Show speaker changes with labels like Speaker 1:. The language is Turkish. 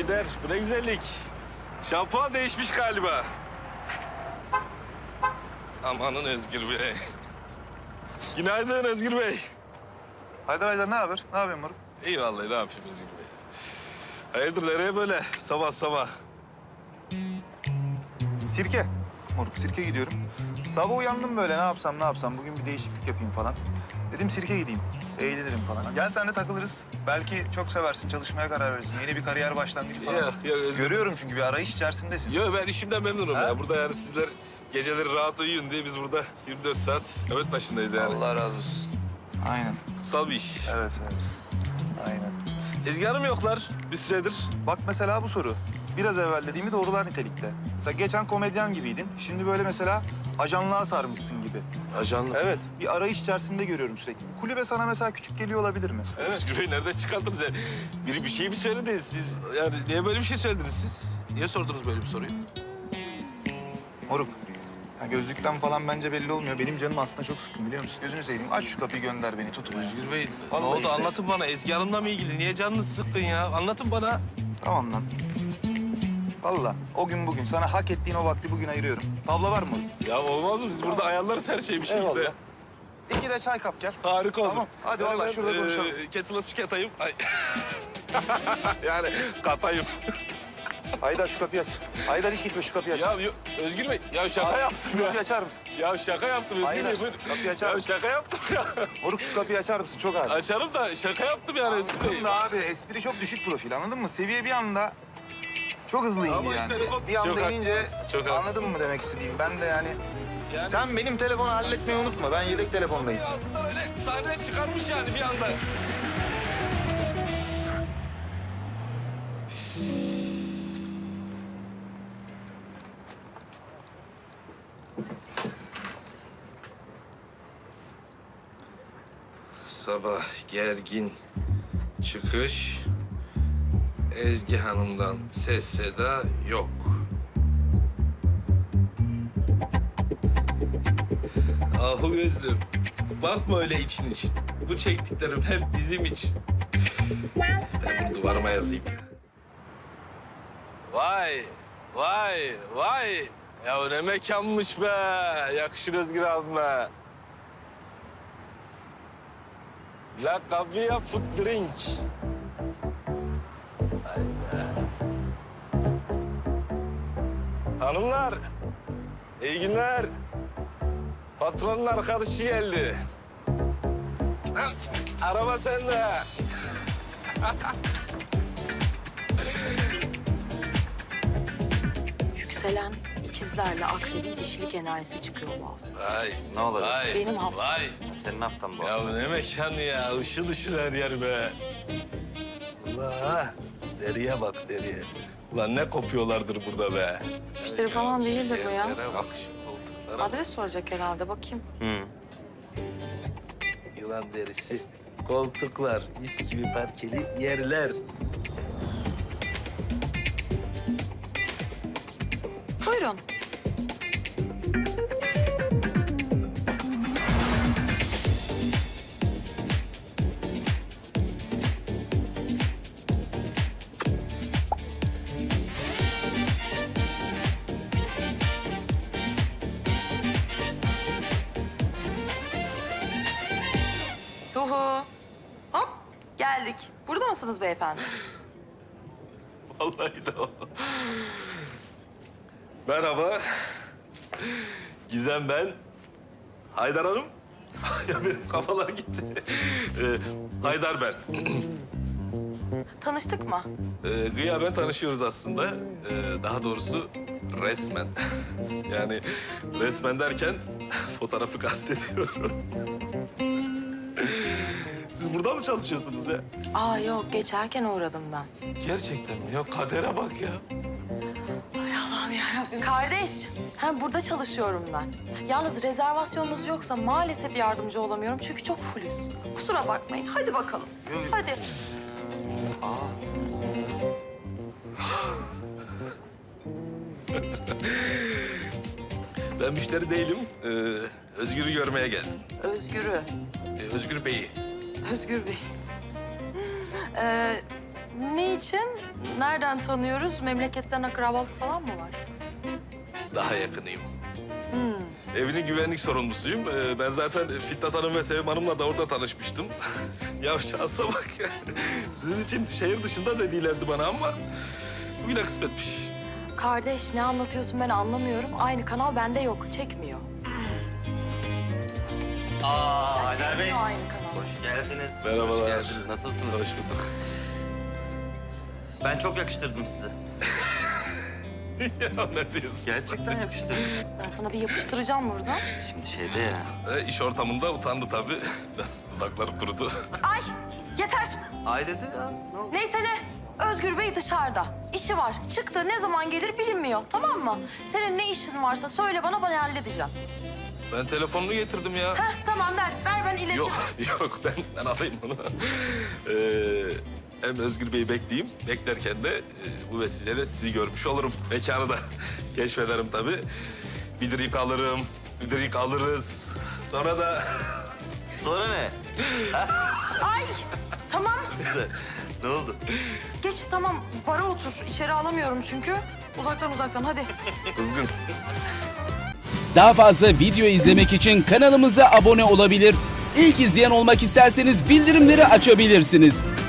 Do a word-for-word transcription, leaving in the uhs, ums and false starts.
Speaker 1: gider. Bu ne güzellik. Şampuan değişmiş galiba. Amanın Özgür Bey. Günaydın Özgür Bey.
Speaker 2: Haydar Haydar ne haber? Ne yapıyorsun moruk?
Speaker 1: İyi vallahi ne yapayım Özgür Bey. Hayırdır nereye böyle sabah sabah?
Speaker 2: Sirke. Moruk sirke gidiyorum. Sabah uyandım böyle ne yapsam ne yapsam bugün bir değişiklik yapayım falan. Dedim sirke gideyim. Eğlenirim falan. Gel sen de takılırız. Belki çok seversin, çalışmaya karar verirsin. Yeni bir kariyer başlangıcı falan.
Speaker 1: Yok, yok, Özgür-
Speaker 2: Görüyorum çünkü bir arayış içerisindesin.
Speaker 1: Yo ben işimden memnunum
Speaker 2: Ha?
Speaker 1: ya. Burada yani sizler geceleri rahat uyuyun diye biz burada yirmi dört saat nöbet başındayız yani.
Speaker 2: Allah razı olsun. Aynen.
Speaker 1: Kutsal bir iş.
Speaker 2: Evet, evet. Aynen.
Speaker 1: Ezgi Hanım yoklar bir süredir.
Speaker 2: Bak mesela bu soru. Biraz evvel dediğimi doğrular nitelikte. Mesela geçen komedyen gibiydin. Şimdi böyle mesela ajanlığa sarmışsın gibi.
Speaker 1: Ajanlı.
Speaker 2: Evet, bir arayış içerisinde görüyorum sürekli. Kulübe sana mesela küçük geliyor olabilir mi? Evet.
Speaker 1: Özgür Bey nereden çıkardınız ya? Biri bir şey mi söyledi? Siz yani niye böyle bir şey söylediniz siz? Niye sordunuz böyle bir soruyu?
Speaker 2: Moruk, ya gözlükten falan bence belli olmuyor. Benim canım aslında çok sıkkın biliyor musun? Gözünü seveyim, aç şu kapıyı gönder beni, tut.
Speaker 1: Özgür Bey
Speaker 2: Vallahi
Speaker 1: ne oldu
Speaker 2: de.
Speaker 1: anlatın bana. Ezgi Hanım'la mı ilgili? Niye canınız sıkkın ya? Anlatın bana.
Speaker 2: Tamam lan. Vallahi o gün bugün sana hak ettiğin o vakti bugün ayırıyorum. Tavla var mı?
Speaker 1: Ya olmaz mı? Biz burada ayarlarız her şeyi bir şekilde.
Speaker 2: Eyvallah. İki de çay kap gel.
Speaker 1: Harika olur.
Speaker 2: Tamam, hadi
Speaker 1: Yani
Speaker 2: vallahi
Speaker 1: ben,
Speaker 2: şurada konuşalım.
Speaker 1: E, kettle'a su katayım. Ay. yani katayım.
Speaker 2: Haydar şu kapıyı aç. Haydar hiç gitme şu kapıyı aç.
Speaker 1: Ya yo- Özgür Bey ya şaka
Speaker 2: Abi,
Speaker 1: yaptım
Speaker 2: şu
Speaker 1: ya.
Speaker 2: kapıyı açar mısın?
Speaker 1: Ya şaka yaptım Özgür
Speaker 2: Haydar,
Speaker 1: Bey. buyurun.
Speaker 2: kapıyı açar
Speaker 1: Ya
Speaker 2: mısın?
Speaker 1: şaka yaptım ya.
Speaker 2: Moruk şu kapıyı açar mısın? Çok ağır.
Speaker 1: Açarım da şaka yaptım yani Özgür Bey.
Speaker 2: Anladım da abi espri çok düşük profil anladın mı? Seviye bir anda çok hızlı indi
Speaker 1: Ama
Speaker 2: yani.
Speaker 1: işte çok-
Speaker 2: bir anda
Speaker 1: çok
Speaker 2: inince
Speaker 1: haklısınız, çok
Speaker 2: anladın
Speaker 1: haklısınız.
Speaker 2: mı demek istediğim? Ben de yani...
Speaker 1: Yani-
Speaker 2: Sen benim telefonu halletmeyi unutma. Ben yedek telefondayım.
Speaker 1: Ağzından öyle sahneye çıkarmış yani bir anda. Sabah gergin çıkış. Ezgi Hanım'dan ses seda yok. Ahu gözlüm, bakma öyle için için. Bu çektiklerim hep bizim için. Ben bunu duvarıma yazayım. Vay, vay, vay. Ya ne mekanmış be. Yakışır Özgür abime. La Cavia Food Drink. Vay be. Hanımlar, iyi günler. Patronun arkadaşı geldi. Ha, araba sende.
Speaker 3: Yükselen ikizlerle akrebin dişilik enerjisi çıkıyor bu hafta.
Speaker 1: Vay,
Speaker 2: Ne olacak?
Speaker 1: vay,
Speaker 3: Benim haftam.
Speaker 1: vay.
Speaker 2: Senin haftan bu.
Speaker 1: Ya bu ne mekan ya, ışıl ışıl her yer be. Allah, deriye bak deriye. Ulan ne kopuyorlardır burada be.
Speaker 3: Müşteri falan değildir bu ya.
Speaker 1: Yerlere bak şu koltuklara. bak.
Speaker 3: Adres soracak herhalde bakayım.
Speaker 1: Yılan derisi, koltuklar, mis gibi parkeli yerler.
Speaker 3: Buyurun. Yuhu. Hop geldik. Burada mısınız beyefendi?
Speaker 1: Vallahi de o. Merhaba. Gizem ben. Haydar Hanım. Ya benim kafalar gitti. Ee, Haydar ben.
Speaker 3: Tanıştık mı?
Speaker 1: Ee, gıyaben tanışıyoruz aslında. Ee, daha doğrusu resmen. Yani resmen derken fotoğrafı kastediyorum. Siz burada mı çalışıyorsunuz ya?
Speaker 3: Aa yok geçerken uğradım ben.
Speaker 1: Gerçekten mi? Ya kadere bak ya.
Speaker 3: Ay Allah'ım yarabbim. Kardeş, ha, burada çalışıyorum ben. Yalnız rezervasyonunuz yoksa maalesef yardımcı olamıyorum çünkü çok fullüz. Kusura bakmayın. Hadi bakalım. Hadi.
Speaker 1: Ben müşteri değilim. Ee, Özgür'ü görmeye geldim.
Speaker 3: Özgür'ü.
Speaker 1: Ee, Özgür Bey'i.
Speaker 3: Özgür Bey. Ee, Ne için? Nereden tanıyoruz? Memleketten akrabalık falan mı var?
Speaker 1: Daha yakınıyım. Evinin güvenlik sorumlusuyum. Ee, ben zaten Fitnat Hanım ve Sevim Hanım'la da orada tanışmıştım. Ya şansa bak ya. Sizin için şehir dışında dedilerdi bana ama bugüne kısmetmiş.
Speaker 3: Kardeş ne anlatıyorsun ben anlamıyorum. Aynı kanal bende yok, çekmiyor.
Speaker 4: Aa Haydar Bey.
Speaker 3: Çekmiyor aynı kanal.
Speaker 4: Hoş geldiniz.
Speaker 1: Merhabalar.
Speaker 4: Hoş geldiniz. Nasılsınız?
Speaker 1: Hoş bulduk.
Speaker 4: Ben çok yakıştırdım sizi.
Speaker 1: Ya ne diyorsun?
Speaker 4: Gerçekten yakıştırdım.
Speaker 3: Ben sana bir yapıştıracağım burada.
Speaker 4: Şimdi şeyde ya.
Speaker 1: Ee, iş ortamında utandı tabii. Biraz dudakları kurudu.
Speaker 3: Ay yeter.
Speaker 4: Ay dedi ya. Ne oldu?
Speaker 3: Neyse ne? Özgür Bey dışarıda. İşi var. Çıktı. Ne zaman gelir bilinmiyor. Tamam mı? Senin ne işin varsa söyle bana, ben halledeceğim.
Speaker 1: Ben telefonunu getirdim ya.
Speaker 3: Heh tamam ver. Ver ben iletirim.
Speaker 1: Yok, yok ben, ben alayım bunu. Ee, hem Özgür Bey'i bekleyeyim. Beklerken de e, bu vesileyle sizi görmüş olurum. Mekanı da keşfederim tabii. Bir drink alırım, bir drink alırız. Sonra da...
Speaker 4: Sonra ne?
Speaker 3: Ay tamam.
Speaker 4: Güzel. Ne oldu?
Speaker 3: Geç tamam. Bara otur. İçeri alamıyorum çünkü. Uzaktan uzaktan hadi.
Speaker 1: Kızgın.
Speaker 5: Daha fazla video izlemek için kanalımıza abone olabilir. İlk izleyen olmak isterseniz bildirimleri açabilirsiniz.